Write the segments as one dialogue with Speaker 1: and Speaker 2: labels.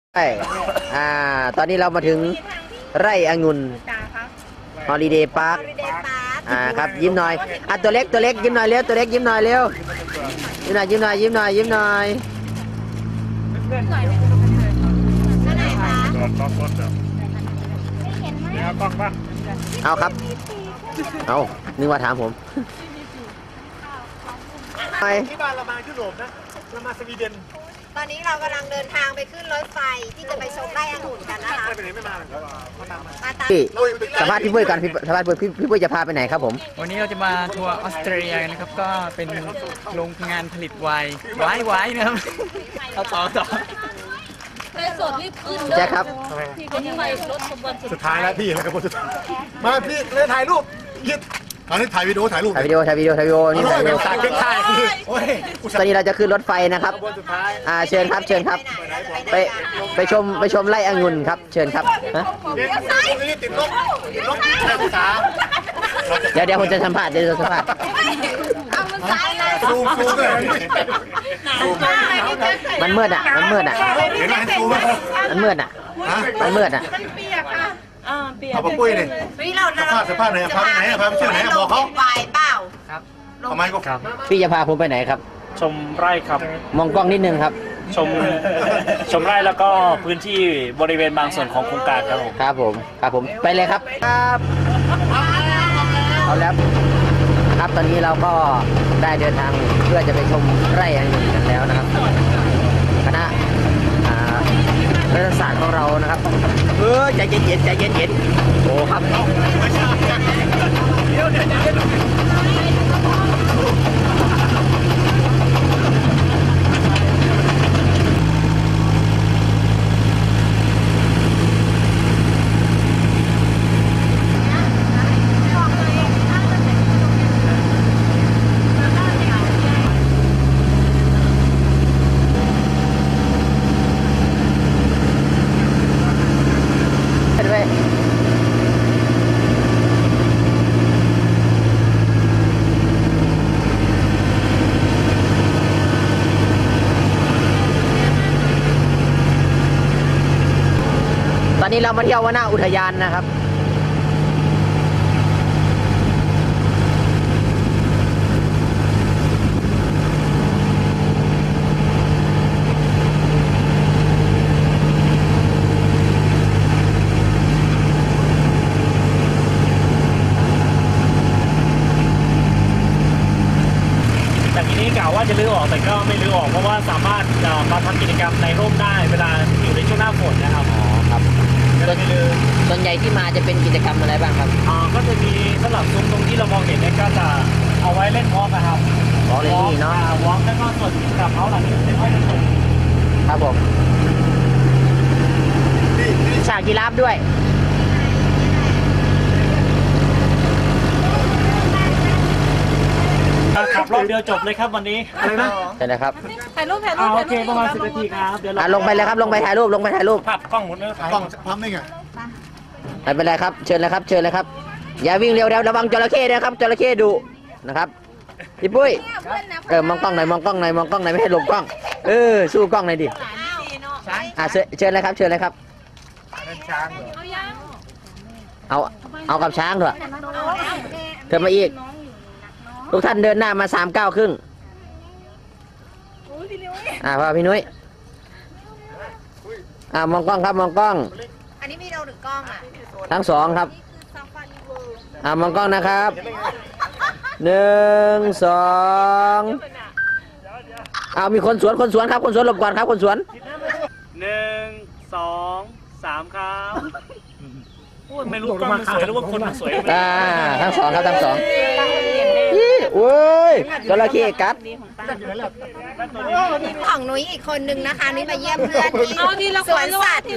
Speaker 1: ใช่ตอนนี้เรามาถึงไร่องุ่นฮอลิเดย์พาร์คครับยิ้มหน่อยตัวเล็กยิ้มหน่อยเร็วตัวเล็กยิ้มหน่อยเร็วยิ้มหน่อยยิ้มหน่อยยิ้มหน่อยยิ้มหน่อยเอาครับเอานึกว่าถามผมไปที่บ้านเรามายุโรปนะเรามาสวีเดน
Speaker 2: ตอนนี้เรากำลังเดินทางไปขึ้นรถไฟที่จะไปชมไร่องุ่นกันนะคะ
Speaker 1: สัมภาษณ์พี่ปุ้ยกันสัมภาษณ์พี่ปุ้ยจะพาไปไหนครับผม
Speaker 3: วันนี้เราจะมาทัวร์ออสเตรเลียนะครับก็เป็นโรงงานผลิตไวน์นะครับเอาต่อ
Speaker 2: สดรีบขึ้น
Speaker 1: แจ็คครับ
Speaker 4: สุดท้ายแล้วพี่แล้วครับสุดท้ายมาพี่เลยถ่ายรูปยิดตอนนี้ถ่ายวิดีโอนี่ถ่ายวิดีโอ
Speaker 1: นี่ถ่ายวิดีโอ
Speaker 4: ถ่าย
Speaker 1: ตอนนี้เราจะขึ้นรถไฟนะครับเชิญครับไปชมไร่องุ่นครับเชิญครับเดี๋ยวผมจะสัมภาษณ์มันมืดอ่ะ
Speaker 4: มันมืดอ่ะเอาปุ้ยเลยสภาพไหนพาไปไหนพาไปเที่ยวไหนบอกเขา
Speaker 2: ไปเปล่า
Speaker 3: ครับ
Speaker 4: ทำไมก็ครับ
Speaker 1: พี่จะพาผมไปไหนครับ
Speaker 5: ชมไร่ครับ
Speaker 1: มองกล้องนิดนึงครับ
Speaker 5: ชมไร่แล้วก็พื้นที่บริเวณบางส่วนของโครงการครับ
Speaker 1: ผมไปเลยครับเอาแล้วครับตอนนี้เราก็ได้เดินทางเพื่อจะไปชมไร่องุ่นกันแล้วนะครับคณะรัฐศาสตร์ของเรานะครับใจเย็นโอ้ครับตอนนี้เรามาเที่ยววนอุทยานนะครับ
Speaker 5: แต่ทีนี้กล่าวว่าจะลื้อออกแต่ก็ไม่ลื้อออกเพราะว่าสามารถมาทำกิจกรรมในร่มได้เวลาอยู่ในช่วงหน้าฝนนะครับ
Speaker 1: ครับส่วนใหญ่ที่มาจะเป็นกิจกรรมอะไรบ้างครับ
Speaker 5: ก็จะมีสำหรับซุ้มตรงที่เรามองเห็นเนี่ยก็จะเอาไว้เล่นวอล์กนะครับ
Speaker 1: วอล์กเล่นนี่เนาะ
Speaker 5: วอล์กแล้วก็ส่วนกับเขาหลังนี้เป็นห้องประชุม
Speaker 1: ครับผมฉากยีราฟด้วย
Speaker 5: ขับรถเดียวจบเลยครับวันนี้อะไรนะ
Speaker 1: ใช่นะครับ
Speaker 2: ถ่ายรูป
Speaker 5: โอเคประมาณ10 นาทีครับเดี๋ยว
Speaker 1: ลงไปเลยครับลงไปถ่ายรูป
Speaker 5: ผัดกล้องหมดเลย
Speaker 4: กล้องพร้อมได้ไง
Speaker 1: ไม่เป็นไรครับเชิญเลยครับอย่าวิ่งเร็วระวังจระเข้นะครับจระเข้ดุนะครับพี่ปุ้ยมองกล้องหน่อยไม่ให้หลบกล้องสู้กล้องหน่อยดิเชิญเลยครับเอากับช้างเถอะเธอมาอีกทุกท่านเดินหน้ามา3 ก้าวครึ่งพ่อพี่นุ้ยมองกล้องครับมองกล้อง
Speaker 2: อันนี้มีเราหนึ่งกล้อง
Speaker 1: ทั้ง2ครับมองกล้องนะครับ1 2มีคนสวนครับคนสวนหลบก่อนครับคนสวน
Speaker 5: 1 2 3ครับไม่รู้กล้องมันสวยหรือว่าคนมันสวย
Speaker 1: ทั้ง2ครับทั้ง2โอ้ยจระเข้กัด
Speaker 2: ของนุ้ยอีกคนนึงนะคะนุ้ยมาเยี่ยมเพื่อนที่สวนสัตว์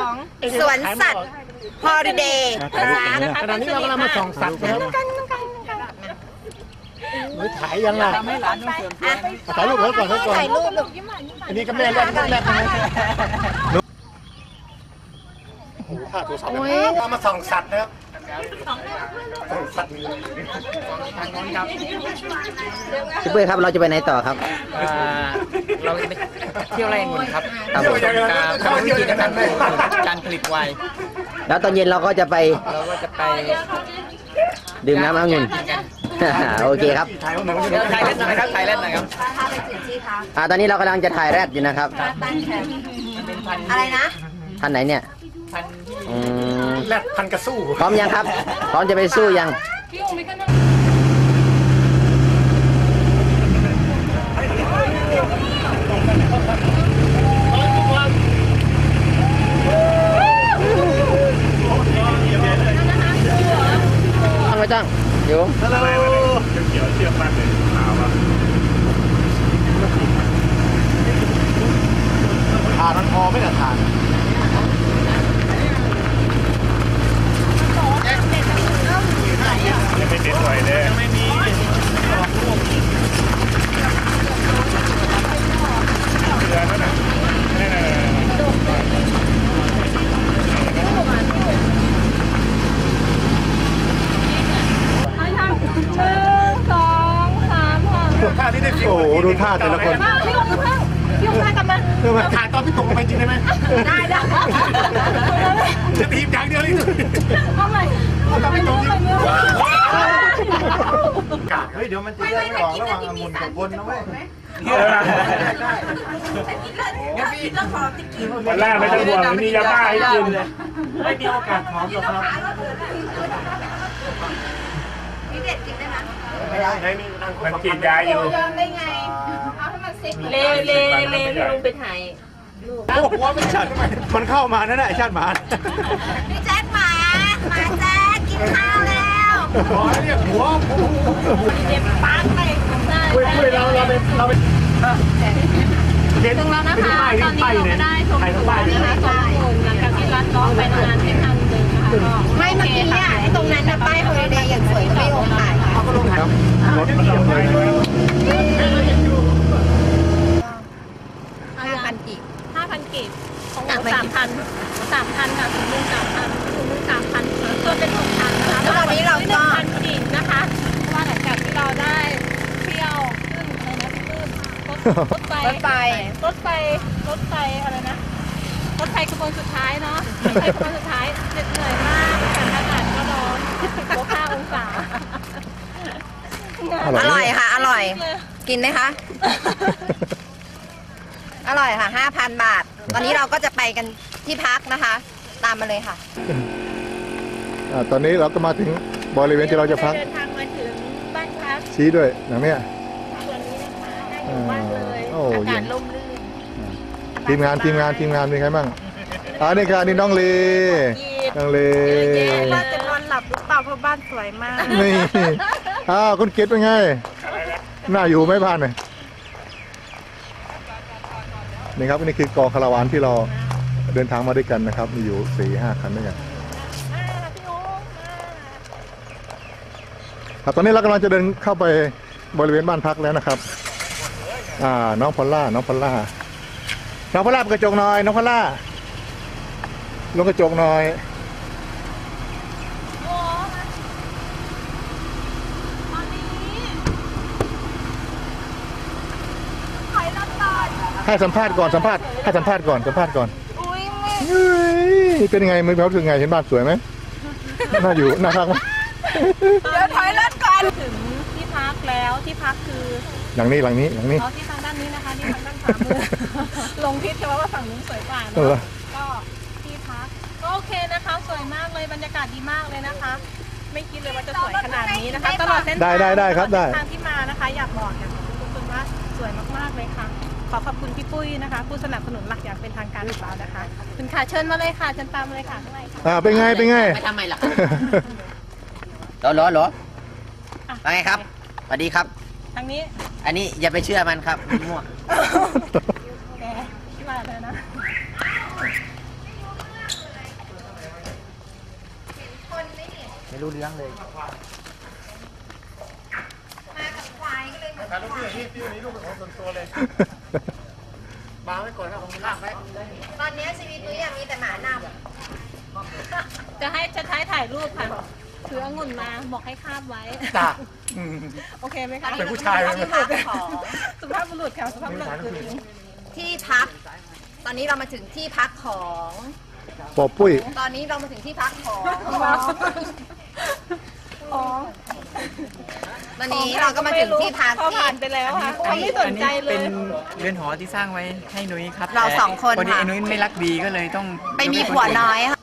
Speaker 2: ฮอลิเดย์
Speaker 4: ขณะนี้เรากำลังมาส่องสัตว์นะครับถ่ายยังไงถ่ายรูปแล้วก่อน
Speaker 2: ถ่ายรูป
Speaker 4: อันนี้ก็แม่แรกท่าตัวสัตว์มาส่องสัตว์นะครับ
Speaker 3: ทางโน้นครับ
Speaker 1: พี่ปุ้ยครับเราจะไปไหนต่อครับ
Speaker 3: เราจะไปเที่ยวไร่องุ่นครับ
Speaker 1: ครับผม
Speaker 3: ทำวิธีการปลูกการผลิตไวน์
Speaker 1: แล้วตอนเย็นเราก็จะไป
Speaker 3: เราก็จะไป
Speaker 1: ดื่มน้ำองุ่น โอเคครับ
Speaker 3: ถ่ายเล่นหน่อยครับถ่ายเล่นหน่อยครับ
Speaker 2: พาไปจุดที่พัก
Speaker 1: ตอนนี้เรากำลังจะถ่ายแรดอยู่นะครับ
Speaker 2: ตั้งแคมป์
Speaker 3: เป็นพันธุ์
Speaker 2: อะไรนะ
Speaker 1: ท่านไหนเนี่ย
Speaker 3: พันธุ์ที่
Speaker 1: อืม
Speaker 4: แรดพันกระสู้
Speaker 1: พร้อมยังครับ พร้อมจะไปสู้ยัง ต้องไม่ต้องอยู่
Speaker 4: ฮัลโหลเขียวเชือกมากเลยขาวอ่ะทานมันพอไม่แต่ทาน ยังไม่ติดสวยเลยยังไม่มีเดือนแล้วนะท่าที่ได้โอ้โหดูท่าแต่ละคนพี่ลงท่ากลับมาถ่ายตอนพี่ตกลงไปจริงได้ไหมได้จะทีมอย่างเดียวเลยทำไมตอนพี่ตกจริงเฮ้ยเดี๋ยวมันจะแยกไม่ออกระหว่างองุ่นกับคนนะเว้ยวันแรกไม่ต้องห่วงมียาบ้าให้กินไม่มีโอกาสหอมหรอกครับ
Speaker 2: พี่เด็ดกินได้ไหม
Speaker 4: ไม่ได้มันกินยาอยู่
Speaker 2: ยอมได้ไง เอาให้มันเซ็ก
Speaker 6: เลลุงไปถ่าย
Speaker 4: โอ้โหไม่ชัดมันเข้ามานั่นแหละชาติหมา
Speaker 2: พี่แจ๊คหมาแจ๊คกินข้าวแล้ว
Speaker 4: ขอเรียกหัว
Speaker 6: เจ็บปากไปได้
Speaker 4: คุยเราไปเห็น
Speaker 6: ถึงแล้วนะคะตอนนี้เราก็ได้ชมสวนนะคะสองคนหลังจากที่รัดล้อไปทำงานเส้นทางเดิมนะคะก็
Speaker 2: ไม่เมื่อกี้เนี่ยไอ้ตรงนั้นนะป้ายฮอลิเดย์อย่างสวยไม่ลงถ่าย
Speaker 4: รถมันยังไงเลย
Speaker 2: 5,000 กีบ
Speaker 6: 5,000 กีบของเรา3,000ค่ะคุณลุง3,000คุณลุง3,000ตัวเป็น6,000นะคะ
Speaker 2: แล้วตอนนี้เราก็
Speaker 6: 1,000 กีบนะคะเพราะว่าหลังจากที่เราได้เที่ยวขึ้นอะไรนะพี่ปื้มรถไฟอะไรนะรถไฟขบวนสุดท้ายเนาะรถไฟขบวนสุดท้ายเหน็ดเหนื่อยมากอากาศก็ร้อน-5 องศา
Speaker 2: อร่อยค่ะ อร่อย กินไหมคะ อร่อยค่ะ 5,000 บาท ตอนนี้เราก็จะไปกันที่พักนะคะ ตามมาเลยค่ะ
Speaker 4: ตอนนี้เราก็มาถึงบริเวณที่เราจะพัก
Speaker 6: เดินทางมาถึงบ้านพัก
Speaker 4: ชี้ด้วยอย่างเนี้ย
Speaker 6: ส่วนนี้นะคะได้อยู่บ้านเลย
Speaker 4: โอ้
Speaker 6: อา
Speaker 4: เย็
Speaker 6: กาศ
Speaker 4: น
Speaker 6: ร่มรื่น
Speaker 4: ทีมงานมีใครบ้างนี่ค่ะนี่น้องเลน้องเล
Speaker 6: ว่าจะนอนหลับหรือเปล่าเพราะบ้านสวยมาก
Speaker 4: นี่คุณเกดเป็นไงน่าอยู่ไหมบ้านเนี่ยนี่ครับนี่คือกองคาราวานที่เราเดินทางมาด้วยกันนะครับมีอยู่ 4-5 คันด้วยกันครับตอนนี้เรากำลังจะเดินเข้าไปบริเวณบ้านพักแล้วนะครับน้องพอลล่าเป็นกระจกหน่อยน้องพอลล่าลงกระจกหน่อยให้สัมภาษณ์ก่อนให้สัมภาษณ์ก่อนเป็นยังไงมึงรู้สึกไงเห็นบ้านสวยไหมน่าอยู่น่าพักไหม
Speaker 6: เดี๋ยวถอยรถก่อนถึงที่พักแล้วที่พักคือ
Speaker 4: หลังนี้
Speaker 6: ที่ทางด้านนี้นะคะที่ทางด้านขวามือ ลงทิศใช่ไหมว่าฝั่งนู้นสวยกว่าเนอะก็ที่พักก็โอเคนะคะสวยมากเลยบรรยากาศดีมากเลยนะคะ ไม่คิดเลยว่าจะสวยขนาดนี้นะคะตลอดเส้นทาง
Speaker 4: ได้ครับได้
Speaker 6: ทางที่มานะคะอยากบอกทุกคนว่าสวยมากๆเลยค่ะขอขอบคุณพี่ปุ้ยนะคะผู้สนับสนุนหลักอย่างเป็นทางการของเรานะคะคุณค่ะเชิญมาเลยค่ะเชิญตามมาเลยค่ะข้างในค่ะ
Speaker 4: เป็นไง
Speaker 1: ไปทำไมล่ะหรอว่าไงครับสวัสดีครับ
Speaker 6: ทางนี้
Speaker 1: อันนี้อย่าไปเชื่อมันครับมั่ว
Speaker 6: แกที่มาเลยนะ
Speaker 1: ไม่รู้เรื่องเลย
Speaker 2: มากับควายก็เลยเหมือน
Speaker 4: ถ่ายรูปนี่รูปของส่วนตัวเลยมาไว้ก่อนครับผมลากไว้
Speaker 2: ตอนนี้ชีวิตนุ้ยมีแต่หมานำ
Speaker 6: จะใช้ถ่ายรูปค่ะถือองุ่นมาบอกให้คาบไว้
Speaker 4: จ้ะ
Speaker 6: โอเคไหมคะ
Speaker 4: เป็นผู้ชายเลย
Speaker 2: ที่พักของ
Speaker 6: สุภาพบุรุษค่ะสุภาพบุรุษคือจริง
Speaker 2: ที่พัก ตอนนี้เรามาถึงที่พักของ
Speaker 4: ปอปุ้ย
Speaker 2: ตอนนี้เรามาถึงที่พักของ
Speaker 6: อ๋อ
Speaker 2: ตอนนี้เราก็มาถึงที่พัก
Speaker 6: เขาผ่านไปแล้วค่ะเขาไม่สนใจเล
Speaker 3: เป็
Speaker 6: ย
Speaker 3: นเรือนหอที่สร้างไว้ให้นุ้ยครับ
Speaker 2: เราสองคน
Speaker 3: พอดี
Speaker 2: ค่ะ
Speaker 3: ไอ้นุ้ยไม่รักดีก็เลยต้อง
Speaker 2: ไปมีผัวน้อยค่ะ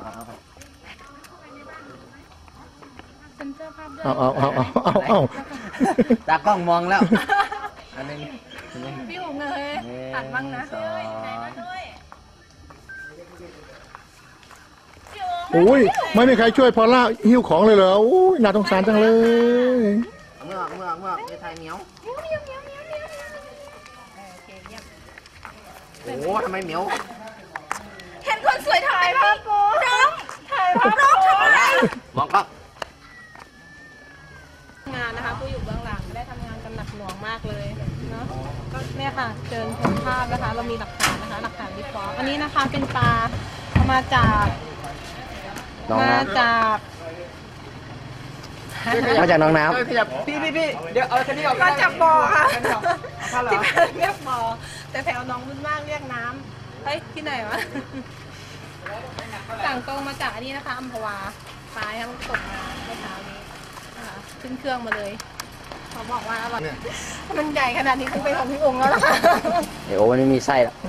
Speaker 6: เซ็นเซอร์ภาพด้วย
Speaker 4: เอา
Speaker 1: ตากล้องมองแล้ว อันนึง
Speaker 6: พี่หุงเลยตัดบ้างนะ
Speaker 1: สอง
Speaker 4: อุ้ยไม่มีใครช่วยพอลล่าหิ้วของเลยเหรออุ้ยน่าสงสารจังเลย
Speaker 1: เมือกในไทยเหมียวโอ้ทำไมเหมียว
Speaker 2: เห็นคนสวยถ่ายภาพกูน้องถ่ายภาพน้องทำไม
Speaker 1: มองกล้อง
Speaker 6: งานนะคะผู้อยู่เบื้องหลังได้ทำงานกันหนักหน่วงมากเลยเนาะก็เนี่ยค่ะเชิญชมภาพนะคะ เรามีหลักฐานนะคะหลักฐานวิเคราะห์อันนี้นะคะเป็นปลาเอามาจาก
Speaker 1: น้อง
Speaker 6: มา
Speaker 1: น้
Speaker 6: จาก
Speaker 1: ำมาจากน้องน้
Speaker 3: พี่เดี๋ยวเอาคันนี้ออก
Speaker 6: มาจากบ่อค่ะ
Speaker 3: เอาเหร
Speaker 6: ที่
Speaker 3: อ
Speaker 6: บ้านเรียกบ่อแต่แถวน้องบุญมากเรียกน้ำเฮ้ยที่ไหนวะสั่งตรงมาจากอันนี้นะคะอัมพวาปลาที่มันตกมาเมื่อเช้านี้นะคะขึ้นเครื่องมาเลยเขาบอกว่าอร่อยมันใหญ่ขนาดนี้คงเป็นของพี่องค์แล้วล่ะค่ะ
Speaker 1: ำเดี๋ยววันนี้มีไส้แล้ว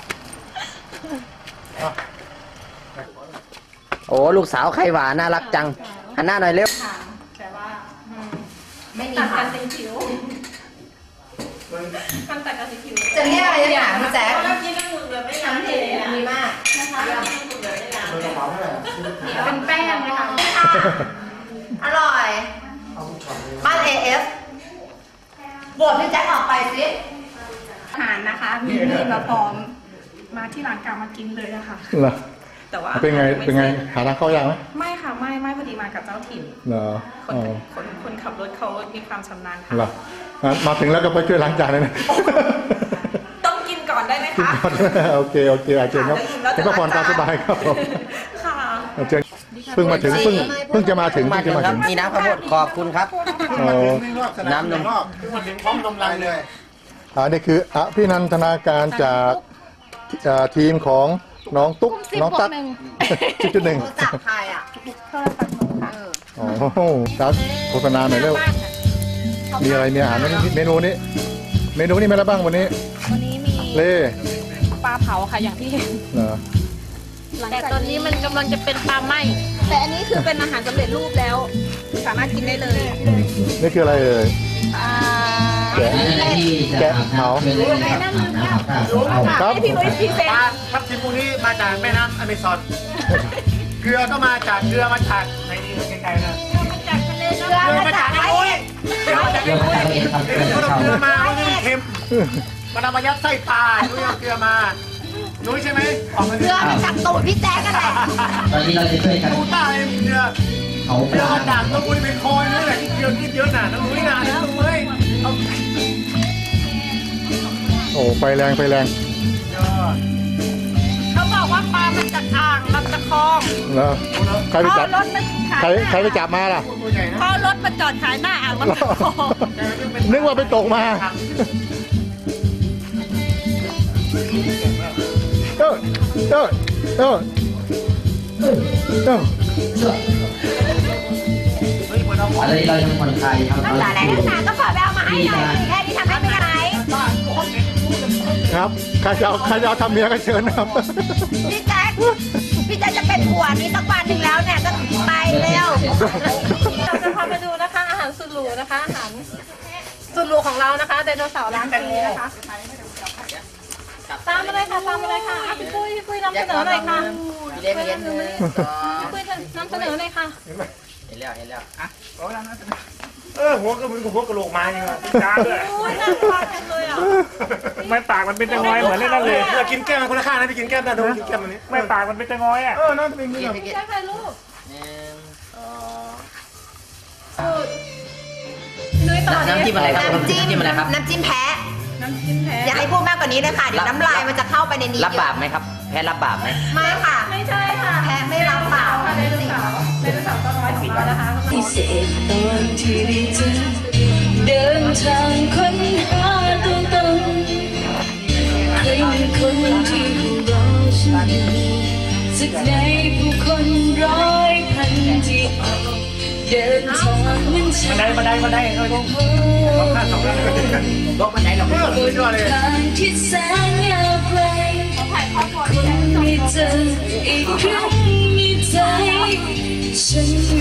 Speaker 1: โอ้ลูกสาวไข่หวานน่ารักจังหันหน้าหน่อยเร็ว
Speaker 6: แต่ว่า
Speaker 2: ไม่มี
Speaker 6: ตัด
Speaker 2: ค่ะ
Speaker 6: กันเป็นผิวมันตัดกันเป็นผิว
Speaker 2: จะเรียกอะไรเนี่ยพี่แจ๊ค
Speaker 6: กินน้ำมือเลยไม่
Speaker 2: น้ำเทดีมาก
Speaker 6: นะคะเป็นแป้งนะคะ
Speaker 2: อร่อย บ้าน AF โบดพี่แจ๊คออกไปสิ
Speaker 7: อาหารนะคะมีมาพร้อมมาที่ร้านกามากินเลยอะค่ะ
Speaker 4: เหรอ
Speaker 7: แต่ว่า
Speaker 4: เป็นไงหาทางเข้ายากไหม
Speaker 7: ไม่ค่ะไม่พอดีมากับเจ้าถิ่น
Speaker 4: เหรอ
Speaker 7: คนขับรถเขามีความชำนาญค่ะ
Speaker 4: เหรอมาถึงแล้วก็ไปช่วยล้างจานเลยนะ
Speaker 7: ต้องกินก่อนได้ไหม
Speaker 4: กิน
Speaker 7: คะ
Speaker 4: ก่อนโอเคอาเชิญครับเป็นพักผ่อนตามสบายครับผม
Speaker 7: ค่ะ
Speaker 4: เชิญเพิ่งมาถึงเพิ่งจะมาถึง
Speaker 1: มาถึงครับมีน้ำข้าวโพดขอบคุณครับ
Speaker 4: อ๋อ
Speaker 1: น้ำนม
Speaker 4: นี่คือพี่นันทนาการจากทีมของน้องตุ๊กน้องตั๊ก10.1
Speaker 2: รู้จักใครอ่ะ
Speaker 4: อ๋อครับโฆษณาหน่อยเร็วมีอะไรมีอาหารไหมเมนูนี้มีอะไรบ้างวันนี้
Speaker 6: วันนี้มี
Speaker 4: เล่
Speaker 6: ปลาเผาค่ะอย่างที่เห็น
Speaker 4: เหรอ
Speaker 6: แต่ตอนนี้มันกำลังจะเป็นปลาไหมแต่อันนี้คือเป็นอาหารสำเร็จรูปแล้ว สามารถกินได้เลย
Speaker 4: นี่คืออะไรเอ่ย แกะเผาครับ
Speaker 6: ให้พี่นุ้ยพรีเซนต์
Speaker 5: ทับทิมพวกนี้มาจากแม่น้ำอเมซอน เกลือก็มาจากเกลือมาจากในนี้ไกลๆนะ
Speaker 2: เรือมาจากไหน
Speaker 5: เกลือมาจากในนู้นเขาเอาเกลือมาเขาไม่ได้เค็มมันเอามายัดไส้ปลานุ้ยเอาเกลือมานุ้ยใช่ไหมออกมา
Speaker 2: เรือมาจากตูดพี่แจ๊คกันแหละ
Speaker 8: ตอนนี้เราจะช่วยกัน
Speaker 5: ดูใต้เกลือ
Speaker 8: เขา
Speaker 5: เกลือมาจากตัวบุญเป็นคอยนี่แหละที่เกลือนิดเยอะหนาน้องนุ้ยหนาน้องนุ้ยเอา
Speaker 4: โอ้ไฟแรง
Speaker 6: เขาบอกว่าปลามันจากอ่างลำตะคอง
Speaker 4: แล้วใครไปจับ
Speaker 6: รถมันขาย
Speaker 4: ใครไปจับมาล่ะ
Speaker 6: พอรถมาจอดขายหน้าอ่างลำตะคอง
Speaker 4: นึกว่าไปตกมาเออ
Speaker 8: อะไรเราทำคนไทยครับ
Speaker 2: น้ำตาไหลน้ำตาก็ขอไปเอามาให้หน่อยแค่นี้ทำให้ไม่ได้
Speaker 4: ครับใครจะเอาทำเมียก็เชิญนะครับ
Speaker 2: พี่แจ๊คจะเป็นผัวนี้สักวันหนึ่งแล้วเนี่ยก็ไปเร็ว
Speaker 6: เราจะพาไปดูนะคะอาหารสุดหรูนะคะอาหารสุดหรูของเรานะคะไดโนเสาร์ร้านนี้นะคะตามมาเลยค่ะอ่ะพี่ปุ้ยนำเสนอหน่อยค่ะ
Speaker 1: พี่เล็กเย็นหนึ่งสอง
Speaker 6: พี่ปุ้ยนำเสนอหน่อยค่ะ
Speaker 1: เห็นแล้วอ่ะ
Speaker 5: หัวก็เหมือนกับหัวกระโหลกไม้นี่วะจ้าด้วย
Speaker 6: โอ้ยน่าทานจังเลยอ่ะ
Speaker 5: ไม่ปากมันเป็นตะงอยเหมือนเล่นนั่นเลยกินแก้มมันคนละข้างนะพี่กินแก้มนั่นดูกินแก้มมันนี้ไม่ปากมันเป็นตะงอยอ่ะนั่นเป็นเงี้ย
Speaker 6: ใช่ใครลูก
Speaker 1: หนึ่งสอง
Speaker 6: นุ้ยต่อ
Speaker 1: น้ำจิ้มอะไรครับ
Speaker 2: น้ำจิ้ม
Speaker 1: อะไรครับ
Speaker 2: น้ำจิ้มแพะ
Speaker 6: น้ำจิ้มแพ้
Speaker 2: อย่าให้พูดมากกว่านี้เลยค่ะ เดี๋ยวน้ำลายมันจะเข้าไปในนี้
Speaker 1: รับบาปไหมครับ แพ้รับบาปไหม
Speaker 2: ไม่ค่ะ
Speaker 6: ไม่ใช่ค่ะ
Speaker 2: แพ้ไม่รับเปล่า
Speaker 6: ไดโนเสาร์ตัวน้อยของเรานะคะ
Speaker 9: พิเศษตอนที่ได้เจอเดินทางค้นหาตัวตนเคยมีคนที่รอฉันสักในผู้คนร้อยพันที่ออกเดินทางเหมือนฉัน
Speaker 5: บันไดเลยลงข้างสองข้างลงบันไดเราเพื่อเลย
Speaker 9: ทางที่แสนยาวไกลคงไม่เจออีกครั้งในใจฉัน